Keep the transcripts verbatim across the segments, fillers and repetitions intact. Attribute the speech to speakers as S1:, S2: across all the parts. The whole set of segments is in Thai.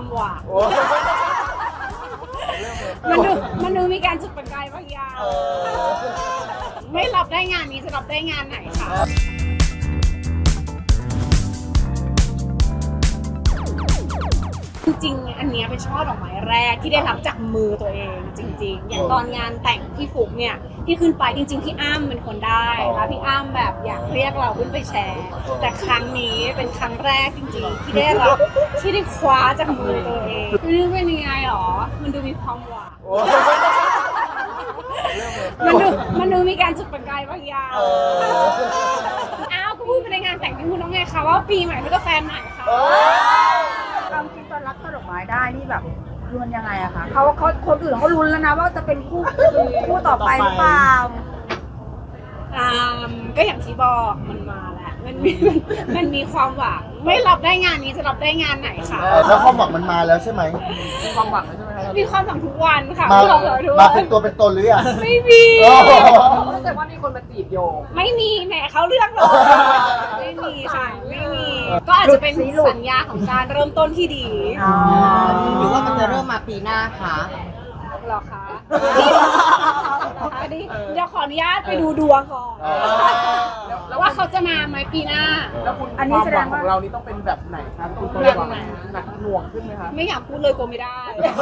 S1: ความหวังมันดูมันดูมีการจุดประกายบางอย่างไม่รับได้งานนี้จะรับได้งานไหนคะจริงๆอันนี้เป็นช่อดอกไม้แรกที่ได้รับจากมือตัวเองจริงๆอย่างตอนงานแต่งพี่ฟุกเนี่ยที่ขึ้นไปจริงๆพี่อ้ำเป็นคนได้แล้วพี่อ้ำแบบอยากเรียกเราขึ้นไปแชร์แต่ครั้งนี้เป็นครั้งแรกจริงๆที่ได้รับที่ได้คว้าจากมือตัวเองนี่เป็นยังไงหรอมันดูมีความหวังมันดูมันดูมีการจุดประกายบางอย่างอ้าวก็พูดไปในงานแต่งพี่พูดน้องไงคะว่าปีใหม่แล้วก็แฟนใหม่ค่ะ
S2: ความคิดตอนรับดอกไม้ได้นี่แบบรุนยังไงอะคะเขาเขาคนอื่นเขาลุ้นแล้วนะว่าจะเป็นคู่คู่ต่อไปหรือเปล่า
S1: อ่าก็อย่างที่บอกมันมาแล้วมันมีมันมีความหวังไม่รับได้งานนี้จะรับได้งานไหนคะ
S3: แล้วความหวังมันมาแล้วใช่ไหม
S2: มีความหวังแล้วใช่ไหม
S1: มีความหวังทุกวันค่ะ
S3: มามา
S1: เป็
S3: นตัวเป็นตนหรือยัง
S1: ไม่มี
S2: รู้สึกว่ามีคนมาจีบโย
S1: ไม่มีแหมเขาเลือกเลยไม่มีค่ะไม่มีก็อาจจะเป็นสัญญาของการเริ่มต้นที่ดี
S2: หรือว่ามันจะเริ่มมาปีหน้าคะ
S1: หรอคะอันนี้เดี๋ยวขออนุญาตไปดูดวงก่อนว่าเขาจะมาไหมปีหน้า
S2: แล้วคุณอันนี้แสดงว่าของเรานี่ต้องเป็นแบบไหนคะต้องเป็นแบบหนักหน่วงขึ้นไหมคะ
S1: ไม่อยากพูดเลยกลัวไม่ได้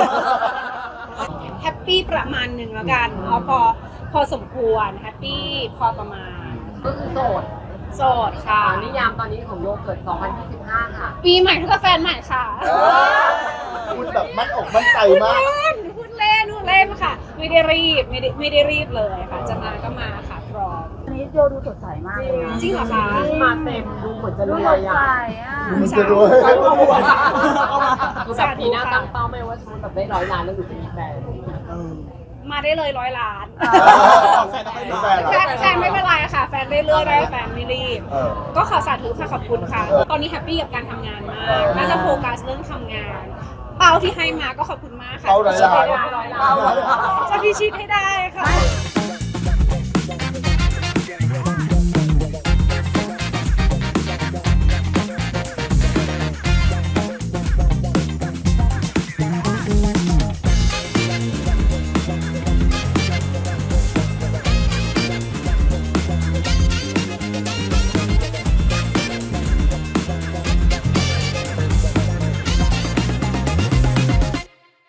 S1: แฮปปี้ประมาณหนึ่งแล้วกันเอาพอพอสมควรแฮปปี้พอประมาณ
S2: ก็คือโสด
S1: โสดค่ะ
S2: นิยามตอนนี้ของโยเกิร์ตสองพันยี่สิบห้าค่ะ
S1: ปีใหม่เท่ากับแฟนใหม่ค่ะ
S3: พูดแบบมั่นอกมั่นใจมาก
S1: พูดเล่นพูดเล่นค่ะไม่ได้รีบไม่ได้ไม่ได้รีบเลยค่ะจะมาก็มาค่ะพร้อม
S2: วันนี้โยดูสดใสมากเลยนะ
S1: จริงเหรอคะ
S2: มาเต็มดูเหมือนจะรวยอ่ะ
S3: ดูจะรวย
S2: คือแบบปีหน้าตั้งเป้าไม่ว่าสมมติแบบได้ร้อยล้านแล้วอยู่จะมีแฟน
S1: มาได้เลยร้อยล้าน
S3: แฟน
S1: แฟนไม่เป็นไรค่ะแฟนได้เรื่อยได้แฟนไม่รีบก็ขอสาธุค่ะขอบคุณค่ะตอนนี้แฮปปี้กับการทำงานมากน่าจะโฟกัสเรื่องทำงานเป้าที่ให้มาก็ขอบคุณมากค่ะ
S3: เป้าร้อยล้าน
S1: จะพิชิตให้ได้ค่ะ